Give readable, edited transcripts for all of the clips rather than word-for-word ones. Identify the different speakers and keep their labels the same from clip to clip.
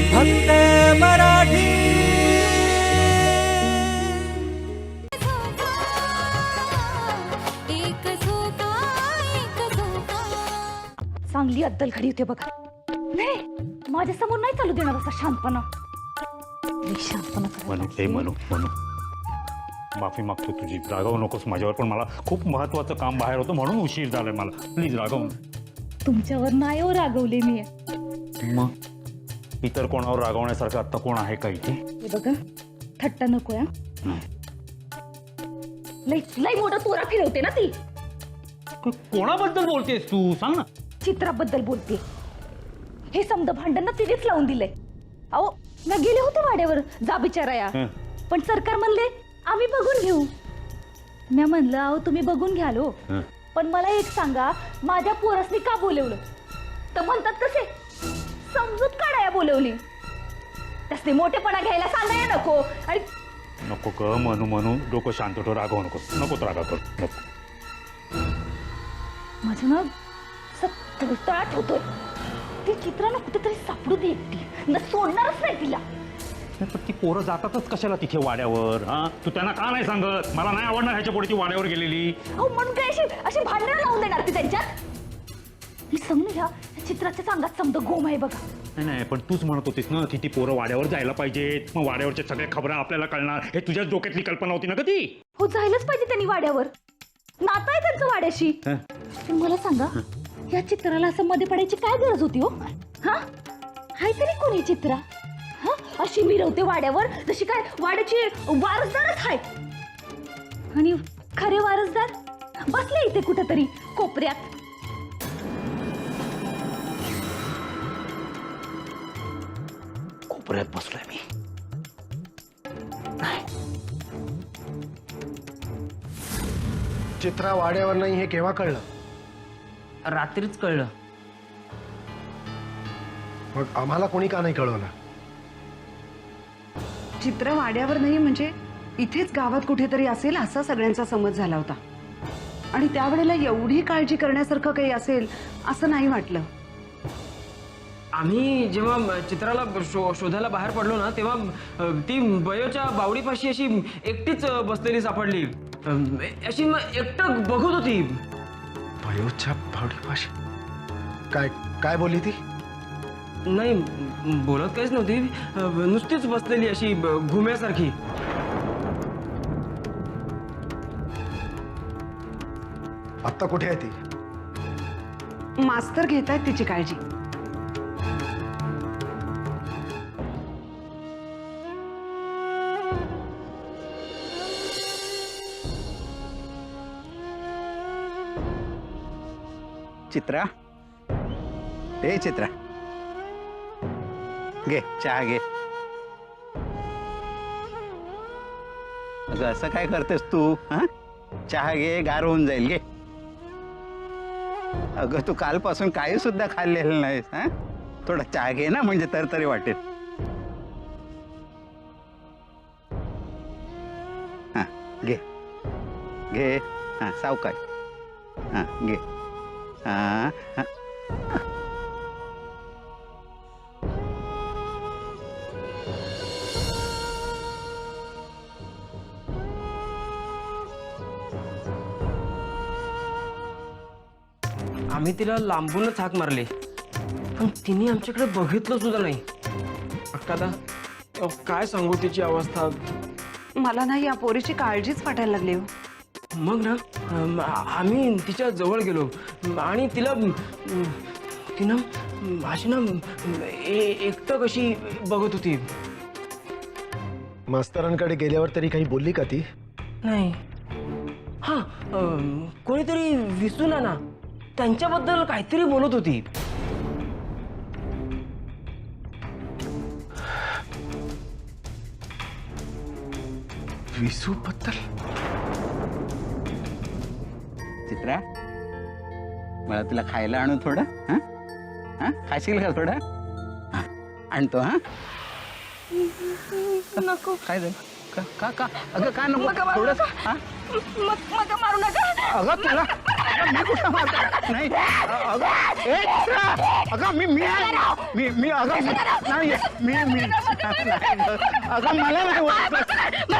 Speaker 1: फक्त मराठी।
Speaker 2: चांगली अद्दल घडी होते बघा। नाही माझ्या समोर नाही चालू देणार असा शांतपणा। शांतपणा
Speaker 3: म्हणू माफी मागतो तुझी, रागवू नकोस माझ्यावर, पण मला खूप महत्वाचं काम बाहेर होतं म्हणून उशीर झालाय मला, प्लीज रागव।
Speaker 2: तुमच्यावर नाही हो रागवले मी।
Speaker 3: मग इतर कोणावर रागवण्यासारखं आता कोण आहे का इथे?
Speaker 2: हे बघा थट्टा नको या। लई लई मोठा तोरा फिरवते ना ती।
Speaker 3: कोणाबद्दल बोलतेस तू, सांग ना।
Speaker 2: चित्राबद्दल बोलते। हे समद भांडण ना तिनेच लावून दिलंय। अहो मी गेले होते वाड्यावर जा बिचाराया, पण सरकार म्हणले आम्ही बघून घेऊ। मी म्हणलं अहो तुम्ही बघून घ्याल हो, पण मला एक सांगा माझ्या पोरासनी का बोलवलं? तर म्हणतात कसे समजूत काढाया बोलवली, तसले मोठेपणा घ्यायला सांगाया नको। आणि
Speaker 3: नको ग म्हणू डोकं शांत ठेव, रागवू नको रागा कर नको।
Speaker 2: माझं ना तळतळाट होतोय। ती चित्राला कुठेतरी सापडू दे एकटी, न सोडणारच नाही तिला।
Speaker 3: पण ती पोरं जातातच कशाला तिथे वाड्यावर? हा तू त्यांना का नाही सांगत? मला नाही आवडणार ह्याच्या पुढे ती वाड्यावर गेलेली।
Speaker 2: अहो म्हणून काय अशी भांडणं लावून देणार ती त्यांच्यात? मी समजून घ्या चित्राच्या चांगात समजा गोम आहे बघा।
Speaker 3: नाही पण तूच म्हणत होतीस ना की ती पोरं वाड्यावर जायला पाहिजेत, मग वाड्यावरच्या सगळ्या खबरा आपल्याला कळणार, हे तुझ्याच डोक्यातली कल्पना होती ना कधी?
Speaker 2: हो जायलाच पाहिजे त्यांनी वाड्यावर, नातं आहे त्यांचं वाड्याशी। पण मला सांगा या चित्राला असं मध्ये पडायची काय गरज होती हो? हा हाय तरी कोणी चित्रा? हा अशी मिरवते वाड्यावर जशी काय वाड्याची वारसदारच आहे। आणि खरे वारसदार बसले इथे कुठेतरी कोपऱ्यात।
Speaker 3: कोपऱ्यात बसलोय मी?
Speaker 4: चित्रा वाड्यावर नाही हे केव्हा कळलं?
Speaker 1: रात्रीच कळलं।
Speaker 4: मग आम्हाला कोणी का नाही कळवलं?
Speaker 5: चित्र वाड्यावर नाही म्हणजे इथेच गावात कुठेतरी असेल असा सगळ्यांचा समज झाला होता, आणि त्यावेळेला एवढी काळजी करण्यासारखं काही असेल असं नाही वाटलं।
Speaker 1: आम्ही जेव्हा चित्राला शोधायला बाहेर पडलो ना तेव्हा ती बयोच्या बावडीपाशी अशी एकटीच बसलेली सापडली, अशी एकटं बघत होती।
Speaker 4: बयोच्या भावडीपाशी? काय काय बोलली ती?
Speaker 1: नाही बोलत काहीच नव्हती, नुसतीच बसलेली अशी घुम्यासारखी।
Speaker 4: आत्ता कुठे आहे ती?
Speaker 5: मास्तर घेत आहेत तिची काळजी।
Speaker 6: चित्रा, ए चित्रा, घे चहा घे। अगं असं काय करतेस तू? हा चहा घे, गार होऊन जाईल, घे। अगं तू कालपासून काही सुद्धा खाल्लेलं नाहीस, हा थोडा चहा घे ना, म्हणजे तरी वाटेल। हा घे घे, हा सावकाश, हा घे, हा हा।
Speaker 1: आम्ही तिला लांबूनच हाक मारली, पण तिने आमच्याकडे बघितलं सुद्धा नाही। अक्का काय सांगू तिची अवस्था?
Speaker 5: मला ना या पोरीची काळजीच वाटायला लागली हो।
Speaker 1: मग ना आम्ही तिच्या जवळ गेलो आणि तिनं अशी ना एकटं कशी बघत होती।
Speaker 4: मास्तरांकडे गेल्यावर तरी काही बोलली का ती?
Speaker 1: नाही, हा कोणीतरी विसू ना त्यांच्याबद्दल काहीतरी बोलत होती।
Speaker 4: विसू बद्दल?
Speaker 6: चित्रा, मला तुला खायला आणू थोडं? हा हा खाशील का थोडं? हा आणतो। हा
Speaker 2: नको।
Speaker 6: काय झालं? का का का अगं का नको थोडं? हा
Speaker 2: मग मारू नका।
Speaker 6: अगं तुला अगं मी कुठं मारतो नाही अगं ए चित्रा अगं मी अगं नाही मी अगं मला नाही वाटत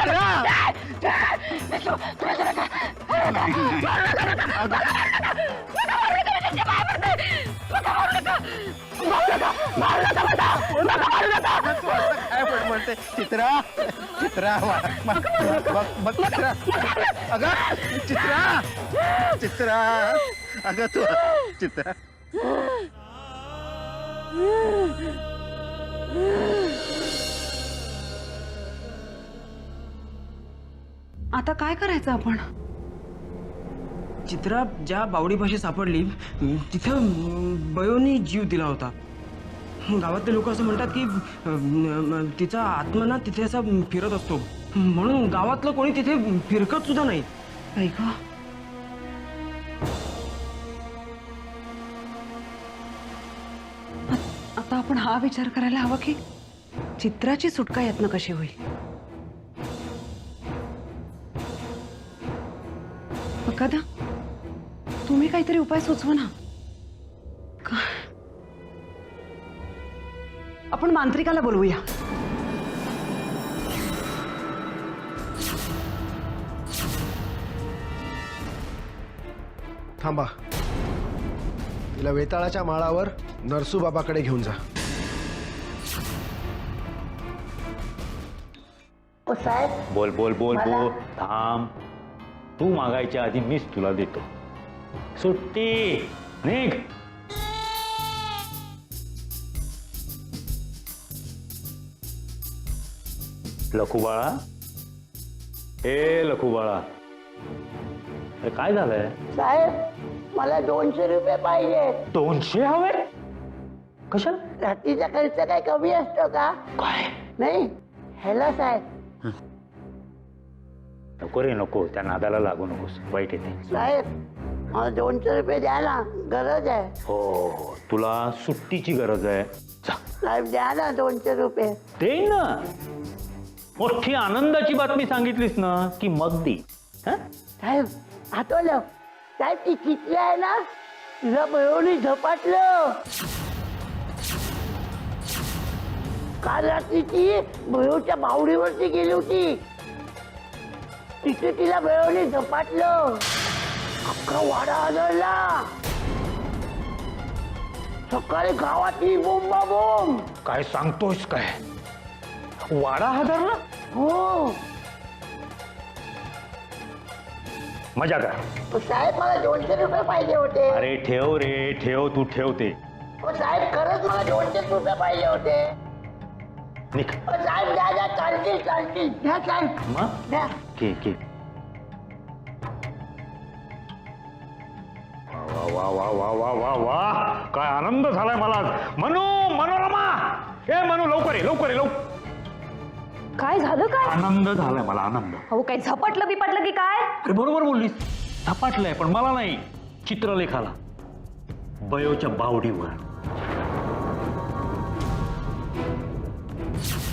Speaker 6: म्हणते चित्रा चित्रा बघ चित्रा अगं चित्रा चित्रा अगं तू चित्रा
Speaker 5: आता काय करायचं आपण?
Speaker 1: चित्रा ज्या बावडीपाशी सापडली तिथं बयोनी जीव दिला होता. गावातले लोक असं म्हणतात की तिचा आत्मा ना तिथे असा फिरत असतो, म्हणून गावातलं कोणी तिथे फिरकत सुद्धा नाही.
Speaker 5: ऐक आता आपण हा विचार करायला हवा की चित्राची सुटका यातनं कशी होईल. कदा तुम्ही काहीतरी उपाय सुचवा ना. आपण मांत्रिकाला बोलवूया.
Speaker 4: थांबा, तिला वेताळाच्या माळावर नरसूबाबाकडे घेऊन जा.
Speaker 3: बोल बोल बोल बोल. थांब, तू मागायच्या आधी मीच तुला देतो. सुट्टी निघ. लखूबाळा, ए लखूबाळा, अरे काय झालंय?
Speaker 7: साहेब मला 200 रुपये पाहिजे.
Speaker 3: 200 हवे? कशाला?
Speaker 7: रात्रीचा खर्च काय कमी असतो का?
Speaker 3: काय?
Speaker 7: नाही ह्याला साहेब.
Speaker 3: नको रे नको, त्या नादाला लागू नकोस, वाईट येते.
Speaker 7: साहेब मला 200 रुपये द्या ना, गरज आहे.
Speaker 3: हो, तुला सुट्टीची गरज आहे. जा.
Speaker 7: साहेब द्या ना 200 रुपये.
Speaker 3: दे ना. मोठी आनंदाची बातमी सांगितलीस ना की मग दे.
Speaker 7: साहेब आठवलं, साहेब ती चितली आहे ना, तिला बरोबर झपाटलं. काल रात्री ती बरोबरच्या बावडीवरती गेली होती, तिथे तिला बरोबर झपाटलं. अख्खा वाडा आदळला. सकाळी गावातली बोंबाबोंब.
Speaker 3: काय सांगतोस काय? वाडा हादरला?
Speaker 7: हो
Speaker 3: मजा कर.
Speaker 7: साहेब मला 200 रुपये पाहिजे होते.
Speaker 3: अरे ठेव रे ठेव, तू ठेवते.
Speaker 7: साहेब खरंच मला 200 रुपये पाहिजे होते.
Speaker 3: निघ.
Speaker 7: साहेब द्या द्या, चालतील चालतील. द्या साहेब
Speaker 3: मग
Speaker 7: द्या.
Speaker 3: के के. वा वा वा वा वा वा वा, काय आनंद झालाय मला. मनू, मनोरमा, ए मनू लवकर ये लवकर ये लवकर.
Speaker 2: काय झालं काय?
Speaker 3: आनंद झालाय मला, आनंद.
Speaker 2: अहो काही झपटलं बिपटलं की काय?
Speaker 3: अरे बरोबर बोललीस, झपाटलंय, पण मला नाही, चित्रलेखाला. बयोच्या बावडीवर